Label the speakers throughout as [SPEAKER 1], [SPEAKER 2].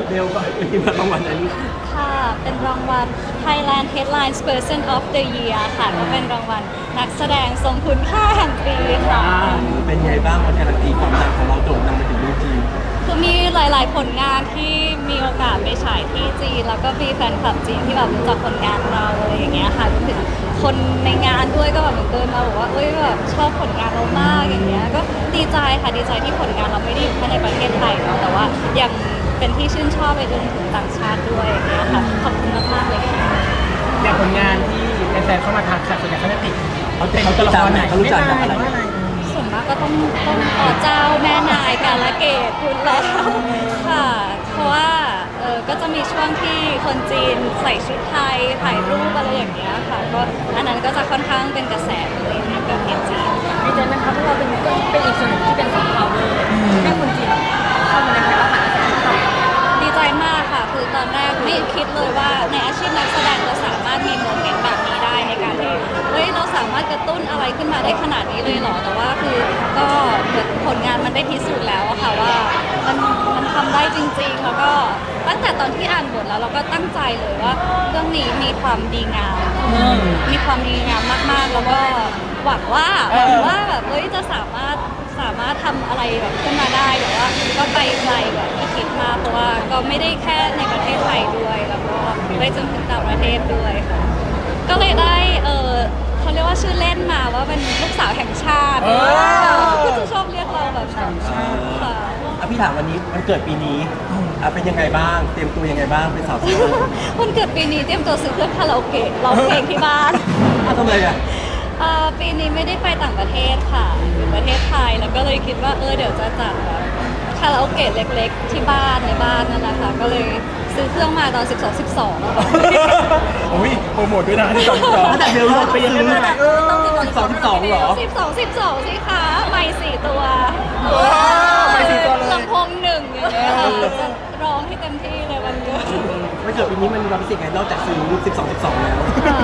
[SPEAKER 1] เบลก่อนที่มารางวัลอันนี้
[SPEAKER 2] ค่ะเป็นรางวัล Thailand Headlines Person of the Year ค่ะก็เป็นรางวัลนักแสดงทรงคุณค่าแห่งปีค่ะ
[SPEAKER 1] เป็นไงบ้างวันการันตีความดังของเราโด่งดังไปถึงเมืองจีน
[SPEAKER 2] คือมีหลายๆผลงานที่มีโอกาสไปฉายที่จีนแล้วก็มีแฟนคลับจีนที่แบบรู้จักผลงานเราอะไรอย่างเงี้ยค่ะรวมถึงคนในงานด้วยก็แบบเหมือนเดินมาบอกว่าเอ้ยแบบชอบผลงานเรามากอย่างเงี้ยก็ดีใจค่ะดีใจที่ผลงานเราไม่ได้อยู่แค่ในประเทศไทยเนาะแต่ว่ายังเป็นที่ชื่นชอบไปจนถึงต่างชาติด้วยอย่างเงี้ยค่ะขอบคุณมากๆเลยค่ะ
[SPEAKER 3] อย่างผลงานที่แฟนๆเข้ามาทักส่วนใหญ่เขาจะติด
[SPEAKER 1] เขาตัวละครไหนเขารู้จักจากอะไร
[SPEAKER 2] ส่วนมากก็ต้องอ๋อเจ้าแม่นายกาลเกตคุณแล้วค่ะเพราะว่าก็จะมีช่วงที่คนจีนใส่ชุดไทยถ่ายรูปอะไรอย่างเงี้ยค่ะก็อันนั้นก็จะค่อนข้างเป็นกระแสเลยในประเทศจีน
[SPEAKER 4] ดีใจไหมคะเพราะเราเป็นอีกส่วนหนึ่งที่เป็นซอฟต์พาวเวอร์ให้คนจีนเข้ามาในไทยแล้วผ่านกระแสที่ตอบ
[SPEAKER 2] ดีใจมากค่ะคือตอนแรกไม่คิดเลยว่าในอาชีพนักแสดงเราสามารถมีโมเมนต์แบบนี้ได้ในการที่เฮ้ยเราสามารถกระตุ้นอะไรขึ้นมาได้ขนาดนี้เลยเหรอแต่ว่าคือก็ผลงานมันได้พิสูจน์แล้วค่ะว่ามันทำได้จริงๆแล้วก็ตั้งแต่ตอนที่อ่านบทแล้วเราก็ตั้งใจเลยว่าเรื่องนี้มีความดีงามมีความดีงามมากๆแล้วก็หวังว่าแบบเฮ้ยจะสามารถทำอะไรแบบขึ้นมาได้แต่ว่าก็ไปไกลแบบที่คิดมากเพราะว่าก็ไม่ได้แค่ในประเทศไทยด้วยแล้วก็ไปจนถึงต่างประเทศด้วยค่ะก็เลยได้เขาเรียกว่าชื่อเล่นมาว่าเป็นลูกสาวแห่งชาติก็จะชอบเรียกเราแบบนั้นค่ะ
[SPEAKER 1] พี่ถามวันนี้มันเกิดปีนี้เป็นยังไงบ้างเตรียมตัวยังไงบ้างเป็นสาวสวย
[SPEAKER 2] วันเกิดปีนี้เตรียมตัวซื้อเครื่องคาราโอเกะร้องเพลงที่บ้าน
[SPEAKER 1] ทำไมอ่ะ
[SPEAKER 2] ปีนี้ไม่ได้ไปต่างประเทศค่ะอยู่ประเทศไทยแล้วก็เลยคิดว่าเดี๋ยวจะจัดแบบคาราโอเกะเล็กๆที่บ้านในบ้านนั่นแหละค่ะก็เลยซื้อเครื่องมาตอน12
[SPEAKER 3] โอ้ยโปรโมทด้วยนะที่12
[SPEAKER 1] แต่เบลไปยังไง
[SPEAKER 4] ต้องติด
[SPEAKER 1] 12เหรอ
[SPEAKER 2] 12สิคะไม่4 ตัว
[SPEAKER 3] ไม่4 ตัวเลย
[SPEAKER 2] ลำโพง1อย่างเงี้ยจะร้องให้เต็มที่เลยวันเกิด
[SPEAKER 1] วันเกิดปีนี้มันมีความพิเศษไงนอกจากซื้อ12แล้ว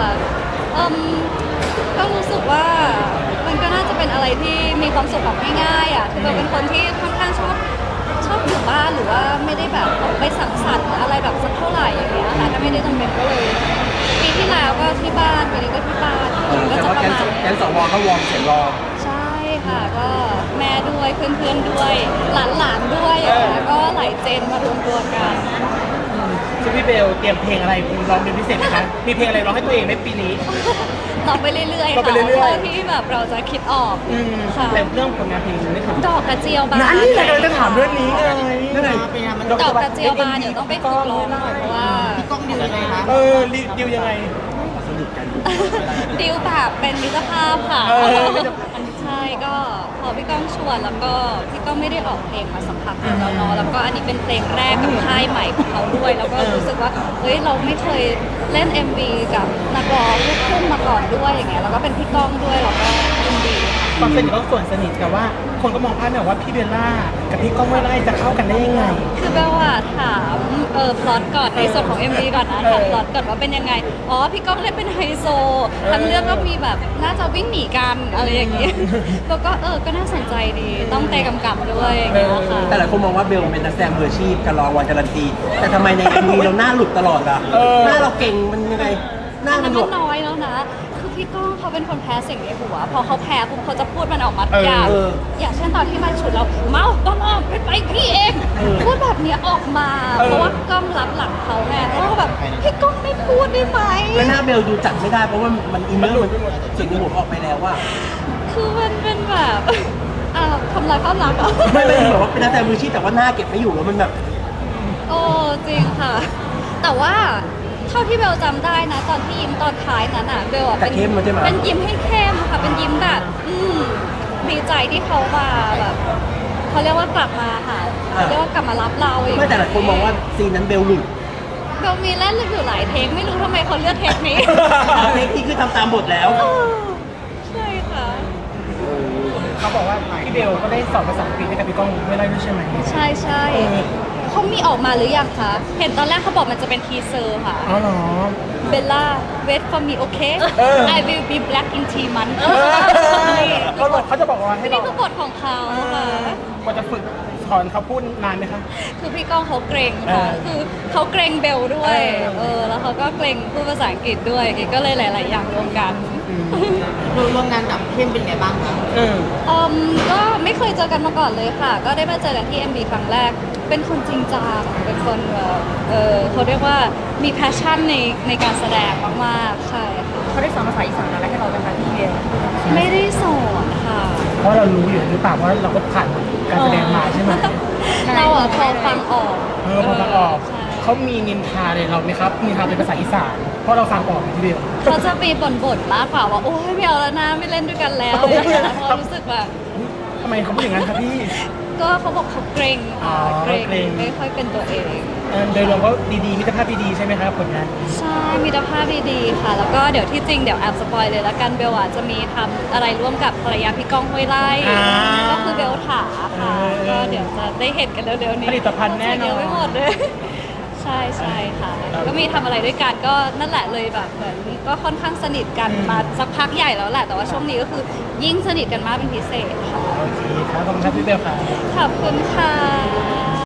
[SPEAKER 2] ก็รู้สึกว่ามันก็น่าจะเป็นอะไรที่มีความสุขแบบง่ายๆอ่ะคือเราเป็นคนที่ค่อนข้างชอบอยู่บ้านหรือว่าไม่ได้แบบออกไปสังสรรค์อะไรแบบสักเท่าไหร่อย่างเงี้ยค่ะถ้าไม่ได้จำเป็นก็เลยปีที่แล้วก็ที่บ้านปีนี้ก็ที่บ้านก็จะประมาณ
[SPEAKER 1] แกนสวก็วอร์มเสียงรอ
[SPEAKER 2] ใช่ค่ะก็แม่ด้วยเพื่อนๆด้วยหลานๆด้วยแล้วก็หลายเจนมารวมตัวกัน
[SPEAKER 3] ซึ่งพี่เบลเตรียมเพลงอะไรร้องเป็นพิเศษไหมคะมีเพลงอะไรร้องให้ตัวเองในปีนี้
[SPEAKER 2] ร้องไปเรื่อยๆค่ะเท่าที่แบบเราจะคิดออกค่ะ
[SPEAKER 3] แต่เรื่องผลงานเพลงนี่คือ
[SPEAKER 2] ดอกกระเจียวบาน
[SPEAKER 3] นั่นนี่เลยจะถามเรื่องนี้เลย
[SPEAKER 1] นั่นไง
[SPEAKER 2] ดอกกระเจียวบานเดี๋ยวต้องไปฝึกร้องหน่อยเพราะว่า
[SPEAKER 4] พี่ก้องดิวยังไงคะ
[SPEAKER 3] ดิวยังไง
[SPEAKER 1] สนิทกัน
[SPEAKER 2] ดิวแบบเป็นมิตรภาพค่ะใช่ก็พอพี่ก้องชวนแล้วก็พี่ก้องไม่ได้ออกเพลงมาสักพักแล้วเนาะแล้วก็อันนี้เป็นเพลงแรกกับค่ายใหม่ของเขาด้วยแล้วก็รู้สึกว่าเฮ้ยเราไม่เคยเล่น MV กับนักร้องลูกทุ่งมาก่อนด้วยอย่างเงี้ยแล้วก็เป็นพี่ก้องด้วยเราก็ยินดี
[SPEAKER 3] ความสนิทก็ส่วนสนิทแต่ว่าคนก็มองภาพแบบว่าพี่เบลล่ากับพี่ก้องไม่ได้จะเข้ากันได้ยังไง
[SPEAKER 2] คือเบลว่าถามพล็อตก่อนในส่วนของ MV ก่อนนะถามพล็อตก่อนว่าเป็นยังไงอ๋อพี่ก้องเล่นเป็นไฮโซทั้งเรื่องก็มีแบบน่าจะวิ่งหนีกันอะไรอย่างเงี้ยแล้วก็ก็น่าสนใจดีต้องเตะกำกับด้วยอย่างเงี้ยค่ะ
[SPEAKER 1] แต่หลายคนมองว่าเบลเป็นนักแสดงมืออาชีพการรองวันการันตีแต่ทำไมใน MV เราหน้าหลุดตลอดอ่ะหน้าเราเก่งมันยังไงหน้ามัน
[SPEAKER 2] น้อยแล้วนะคือพี่ก้องเขาเป็นคนแพ้เสียงในหัวพอเขาแพ้ปุ๊บเขาจะพูดมันออกมาอย่างเช่นตอนที่มาฉุดเราเมาต้องออกไปพี่เองพูดแบบนี้ออกมาเพราะว่ากล้องรับหลังเขาไงแล้วก็แบบพี่ก้องไม่พูดได้ไหม
[SPEAKER 1] แล้วหน้าเบลดูจัดไม่ได้เพราะว่ามันอินเนอร์เสียงในหัวออกไปแล้วว่า
[SPEAKER 2] คือมันเป็นแบบทำลายภาพลักษณ์เหรอ
[SPEAKER 1] ไม่แบบว่าเป็นนักแสดงมืออาชีพแต่ว่าหน้าเก็บไม่อยู่แล้วมันแบบ
[SPEAKER 2] โอ้จริงค่ะแต่ว่าเท่าที่เบลจำได้นะตอนที่ยิ้มตอนท้ายนั้นอ่ะเบลอ่ะเป็นยิ้มให้เข้มค่ะเป็นยิ้มแบบดีใจที่เขามาแบบเขาเรียกว่ากลับมาค่ะเขาเรียกว่ากลับมารับเรา
[SPEAKER 1] ไม่แต่หลายคนมองว่าซีนนั้นเบลหลุด
[SPEAKER 2] เบลมีเล่นอยู่หลายเทคไม่รู้ทำไมเขาเลือกเทคนี้
[SPEAKER 1] เทคนี้คือทำตามบทแล้ว
[SPEAKER 2] ใช่ค่ะ
[SPEAKER 3] เขาบอกว่าพี่เบลก็ได้สอนภาษาอังกฤษให้กับพี่ก้องไม่ได้ด้วยใช่ไหม
[SPEAKER 2] ใช่เขามีออกมาหรือยังคะเห็นตอนแรกเขาบอกมันจะเป็นทีเซอร์ค่ะ
[SPEAKER 3] อ๋อเหรอ
[SPEAKER 2] เบลล่า wait for me okay I will be black in 3 months
[SPEAKER 3] เขาจะบอกว่าให้
[SPEAKER 2] นี่คือบทของเขาค่ะ
[SPEAKER 3] ก็จะฝึกถอนเขาพูดนานไหมคะ
[SPEAKER 2] คือพี่ก้องเขาเกรงค่ะ คือเขาเกรงเบลด้วย แล้วเขาก็เกรงพูดภาษาอังกฤษด้วยก็เลยหลาย ๆ อย่างรวมกัน
[SPEAKER 5] ร่วมงานกับเข้มเป็นไงบ้างคะ
[SPEAKER 2] ก็ไม่เคยเจอกันมาก่อนเลยค่ะ ก็ได้มาเจอกันที่ MB ครั้งแรก เป็นคนจริงจังเป็นคนแบบเขาเรียกว่ามี passion ในการแสดงมาก ๆ ใช่ค่ะ
[SPEAKER 4] เขาได้สอนภาษาอีสานอะไรให้เราเป็นคะพี่เบล
[SPEAKER 2] ไม่ได้สอนค่ะ
[SPEAKER 3] เพราะเรารู้อยู่หรือเปล่าว่าเราก็ผ่านการแสดงมาใช่ไหม
[SPEAKER 2] เราอะพอฟังออก
[SPEAKER 3] พอฟังออก
[SPEAKER 2] ใช่
[SPEAKER 3] เขามีนินทาเลยเราไหมครับนินทาเป็นภาษาอีสานเพราะเราฟังออกพี่เบล
[SPEAKER 2] เขาจะมีบ่นๆมากกว่าว่าโอ้ยไม่เอาแล้วนะไม่เล่นด้วยกันแล้วอะไรอย่างเงี้ยเพราะรู้สึกแบบ
[SPEAKER 3] ทำไมเขาพูดอย่างนั้นครับพี่
[SPEAKER 2] ก็เขาบอกเขาเกรงค่ะ
[SPEAKER 3] อ๋อ
[SPEAKER 2] เกรง
[SPEAKER 3] เกรง
[SPEAKER 2] ไม่ค่อยเป็นตัวเอง
[SPEAKER 3] โดยรวมก็ดีๆมิตรภาพดีๆใช่ไหมครับผลงาน
[SPEAKER 2] ใช่มีภาพดีๆค่ะ แล้วก็เดี๋ยวที่จริงเดี๋ยวแอบสปอยเลยละกันเบลอาจจะมีทำอะไรร่วมกับภรรยาพี่ก้องห้วยไร่
[SPEAKER 3] อ่า
[SPEAKER 2] ก็คือเบลถาค่ะ ก็เดี๋ยวจะได้เห็นกันเร็วๆนี้
[SPEAKER 3] ผลิตภัณฑ์แน่นอน
[SPEAKER 2] เยอะไปหมดเลย ใช่ค่ะ ก็มีทำอะไรด้วยกันก็นั่นแหละเลยแบบเหมือนก็ค่อนข้างสนิทกันมาสักพักใหญ่แล้วแหละ แต่ว่าช่วงนี้ก็คือยิ่งสนิทกันมากเป็นพิเศษค่ะ
[SPEAKER 3] โอเคครับขอบคุณครับพี่เบลครับ
[SPEAKER 2] ขอบคุณค่ะ